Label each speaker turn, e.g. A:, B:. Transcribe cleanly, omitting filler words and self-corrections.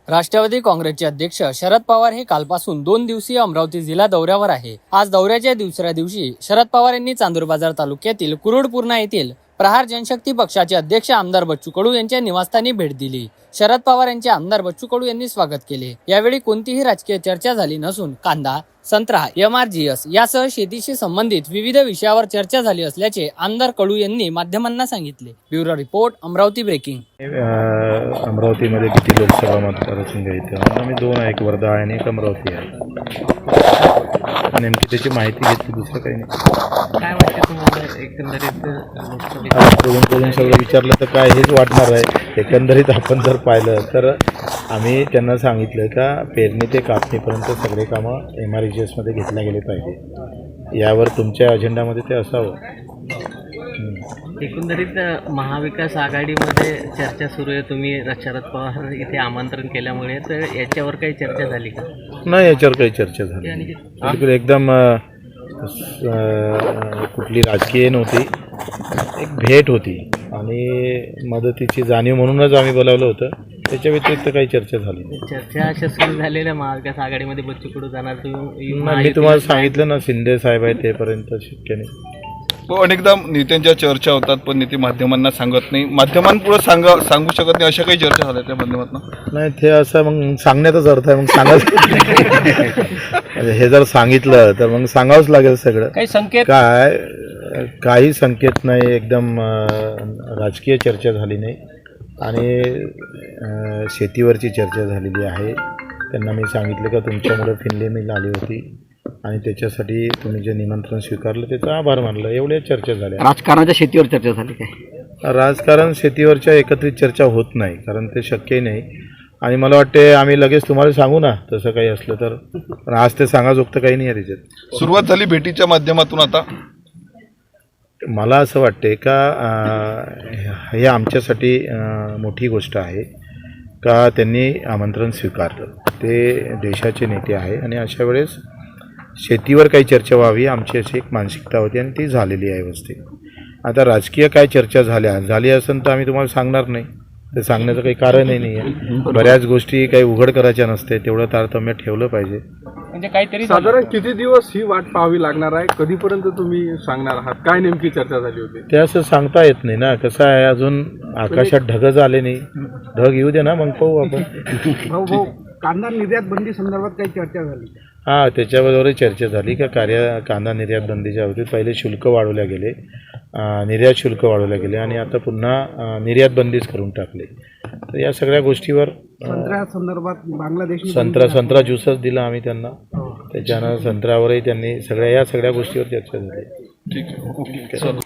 A: राष्ट्रवादी काँग्रेसचे अध्यक्ष शरद पवार हे कालपासून 2 दिवसीय अमरावती जिल्हा दौऱ्यावर आहे। आज दौऱ्याच्या दुसऱ्या दिवशी शरद पवार यांनी चांदूर बाजार तालुक्यातील कुरुडपूर्णा येथील प्रहार जनशक्ती पक्षाचे अध्यक्ष आमदार बच्चू कडू यांच्या निवासस्थानी भेट दिली। शरद पवार यांचे आमदार बच्चू कडू यांनी स्वागत केले। यावेळी कोणतीही राजकीय चर्चा झाली नसून कांदा, संत्रा, MRGS यासह शेतीशी संबंधित विविध विषयावर चर्चा झाली असल्याचे आमदार कडू यांनी माध्यमांना सांगितले। Bureau report, Amravati breaking.
B: अमरावतीमध्ये किती लोकसभा मतदारसंघ आहेत? आम्ही 2 आहे, एक वर्धा आहे आणि एक अमरावती आहे। नेमकी त्याची माहिती घेतली, दुसरं काही नाही।
C: काय वाटतं तुम्हाला एकंदरीत
B: बोलून सगळं विचारलं तर काय हेच वाटणार आहे। एकंदरीत आपण जर पाहिलं तर आम्ही त्यांना सांगितलं का पेरणी ते कापणीपर्यंत सगळे कामं MRGSमध्ये घेतल्या गेले पाहिजे। यावर तुमच्या अजेंडामध्ये ते असावं।
C: एकंदरीत महाविकास आघाडीमध्ये चर्चा सुरू आहे। तुम्ही शरद पवार इथे आमंत्रण केल्यामुळे तर याच्यावर काही चर्चा झाली का?
B: नाही, याच्यावर काही चर्चा झाली बिलकुल एकदम कुठली राजकीय नव्हती, एक भेट होती आणि मदतीची जाणीव म्हणूनच आम्ही बोलावलं होतं। त्याच्या व्यतिरिक्त काही चर्चा झाली नाही।
C: चर्चा अशा सुरू झालेल्या महाविकास आघाडीमध्ये बच्चू कडू जाणार, तुम्ही
B: मी तुम्हाला सांगितलं ना, शिंदे साहेब आहे तेपर्यंत शक्य नाही।
D: अनेकदा नेत्यांच्या चर्चा होतात पण नेते माध्यमांना सांगत नाही, माध्यमांपुढे सांगू शकत नाही, अशा काही चर्चा झाल्या त्या माध्यमातून?
B: नाही, ते असं मग सांगण्याचाच अर्थ आहे, मग सांगायचं हे जर सांगितलं तर मग सांगावंच लागेल सगळं।
C: काही संकेत
B: काही संकेत नाही, एकदम राजकीय चर्चा झाली नाही आणि शेतीवरची चर्चा झालेली आहे। त्यांना मी सांगितलं का तुमच्यामुळे फिनले मिल आली होती आणि त्याच्यासाठी तुम्ही जे निमंत्रण स्वीकारलं त्याचा आभार मानलं, एवढ्या चर्चा झाल्या।
C: राजकारणाच्या शेतीवर चर्चा झाली काय?
B: राजकारण शेतीवरच्या एकत्रित चर्चा होत नाही, कारण ते शक्यही नाही आणि मला वाटते आम्ही लगेच तुम्हाला सांगू ना तसं काही असलं तर, पण आज ते सांगाजोगतं काही नाही आहे त्याच्यात।
D: सुरुवात झाली भेटीच्या माध्यमातून। आता
B: मला असं वाटते का हे आमच्यासाठी मोठी गोष्ट आहे का त्यांनी आमंत्रण स्वीकारलं। ते देशाचे नेते आहे आणि अशा वेळेस शेतीवर काही चर्चा व्हावी आमची अशी एक मानसिकता होती आणि ती झालेली आहे व्यवस्थित। आता राजकीय काय चर्चा झाली असेल तर आम्ही तुम्हाला सांगणार नाही, ते सांगण्याचं काही कारणही नाही आहे। बऱ्याच गोष्टी काही उघड करायच्या नसते, तेवढं तारतम्य ठेवलं पाहिजे।
C: म्हणजे काहीतरी
E: साधारण किती दिवस ही वाट पाहावी लागणार आहे? कधीपर्यंत तुम्ही सांगणार आहात? काय नेमकी चर्चा झाली होती?
B: ते असं सांगता येत नाही ना, कसं आहे अजून आकाशात ढगच आले नाही, ढग येऊ दे ना मग पाहू आपण।
E: भाऊ, कांदा निर्यात बंदी संदर्भात काही चर्चा झाली?
B: हां, त्याच्याबरोबरही चर्चा झाली का कांदा निर्यात बंदीच्या बाबतीत पहिले शुल्क वाढवल्या गेले, निर्यात शुल्क वाढवल्या गेले आणि आता पुन्हा निर्यात बंदीच करून टाकले। तर या सगळ्या गोष्टीवर
E: संत्र्या संदर्भात बांगलादेश
B: संत्रा ज्यूसच दिला आम्ही त्यांना, त्याच्यानं संत्र्यावरही त्यांनी या सगळ्या गोष्टीवर चर्चा झाली।
D: ठीक आहे, ओके, चला।